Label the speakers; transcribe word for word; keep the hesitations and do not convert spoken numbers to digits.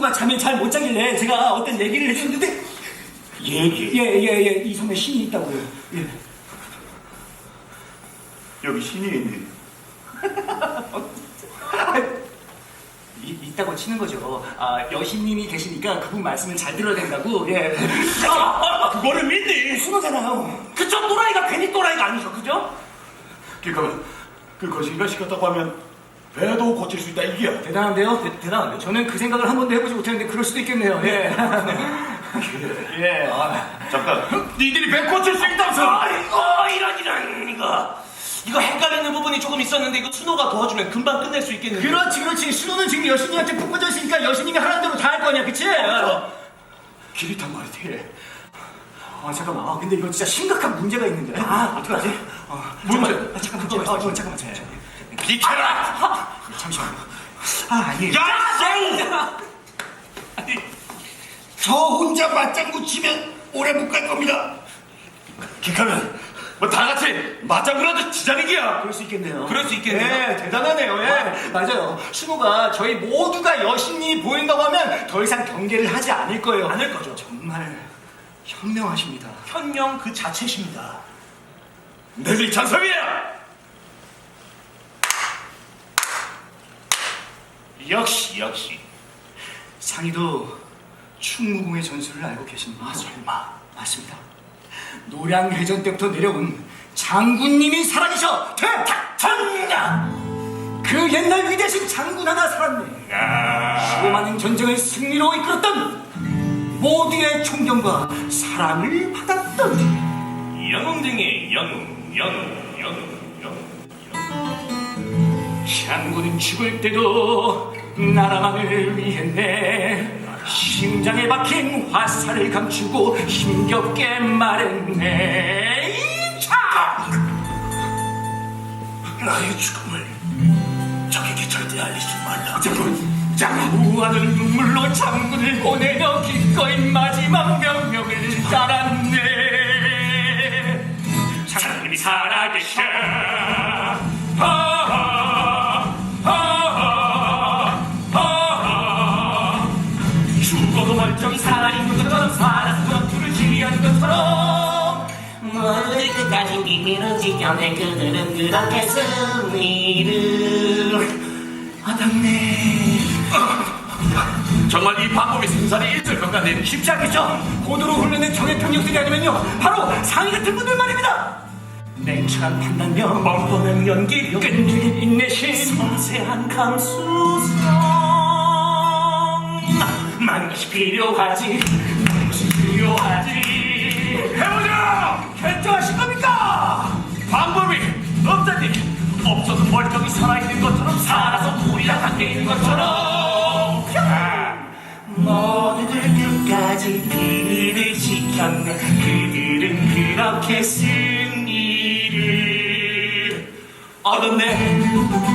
Speaker 1: 신우가 잠에 잘 못 자길래 제가 어떤 얘기를 해줬는데
Speaker 2: 얘기?
Speaker 1: 예예예 이 섬에 신이 있다고요. 예.
Speaker 2: 여기 신이 있네.
Speaker 1: 이, 있다고 치는 거죠. 아, 여신님이 계시니까 그분 말씀을 잘 들어야 된다고. 예.
Speaker 2: 아, 아, 그거를 믿니?
Speaker 1: 신호잖아요.
Speaker 2: 그저 또라이가 괜히 또라이가 아니죠, 그죠? 그러니까 그 거신가시 같다고 하면 배도 고칠 수 있다 이게야.
Speaker 1: 대단한데요? 대, 대단한데요? 저는 그 생각을 한 번도 해보지 못했는데 그럴 수도 있겠네요. 예. 예.
Speaker 2: 아, 잠깐. 니들이 배 고칠 수 있다면서?
Speaker 3: 아이고 이런 이런 이거 이거 헷갈리는 부분이 조금 있었는데 이거 순호가 도와주면 금방 끝낼 수 있겠는데.
Speaker 1: 그렇지, 그렇지. 신호는 지금 여신님한테 푹 빠져 있으니까 여신님이 하라는 대로 다 할 거 아니야, 그치?
Speaker 2: 길이 탄 말이지.
Speaker 1: 아, 잠깐만. 아, 근데 이거 진짜 심각한 문제가 있는데. 아, 어떡하지? 어,
Speaker 2: 문제?
Speaker 1: 잠깐만, 아, 잠깐만, 어, 어, 잠깐만, 잠깐만.
Speaker 2: 비켜라!
Speaker 1: 아, 잠시만요. 아, 예.
Speaker 2: 야!
Speaker 3: 아니,
Speaker 2: 저 혼자 맞장구 치면 오래 못 갈 겁니다. 기카면 뭐 다 같이 맞장구라도 치자는
Speaker 1: 그럴 수 있겠네요.
Speaker 3: 그럴 수 있겠네요.
Speaker 1: 예, 대단하네요. 예. 맞아요. 신호가 저희 모두가 여신님이 보인다고 하면 더 이상 경계를 하지 않을 거예요.
Speaker 3: 않을 거죠.
Speaker 1: 정말 현명하십니다.
Speaker 3: 현명 그 자체십니다.
Speaker 2: 너희들이 찬성이야!
Speaker 3: 역시 역시.
Speaker 1: 상희도 충무궁의 전술을 알고 계십니까? 아, 설마. 맞습니다. 노량해전 때부터 내려온 장군님이 살아계셔 대탁천냥! 그 옛날 위대신 장군 하나 살았네. 수많은 전쟁을 승리로 이끌었던 모두의 존경과 사랑을 받았던
Speaker 3: 영웅 중에 영웅 영웅 영웅 영웅.
Speaker 1: 장군은 죽을 때도 나라만을 위했네. 심장에 박힌 화살을 감추고 힘겹게 말했네. 자!
Speaker 2: 나의 죽음을 적에게 절대 알리지 말라.
Speaker 1: 장군, 장군 우하는 눈물로 장군을 보내며 기꺼이 마지막 명령을 따랐네. 장군이 살아계셔. 하하, 하하, 하하. 죽어도 멀쩡히 살아있는 것처럼 살아서 전투를 지휘하는 것처럼
Speaker 4: 모두들 끝까지 비밀을 지켜낸 그들은 그렇게 승리를
Speaker 1: 얻었네.
Speaker 2: 정말 이 방법이 생산이 있을 것 같네.
Speaker 1: 쉽지 않겠죠? 고도로 훈련된 정예 병력들이 아니면요 바로 상위 같은 분들 말입니다. 냉철한 판단력,
Speaker 3: 뻔뻔한 연기력,
Speaker 1: 끈질긴 인내심,
Speaker 3: 섬세한 감수성.
Speaker 1: 많은 것이 필요하지. 많은 것이 필요하지.
Speaker 2: 해보자!
Speaker 1: 결정하실 겁니까?
Speaker 2: 방법이 없다니.
Speaker 3: 없어도 멀쩡히 살아있는 것처럼 살아서 우리랑 함께 있는 것처럼.
Speaker 1: 모두들 끝까지 비밀을 지켰네. 그들은 그렇게 승리를 얻었네.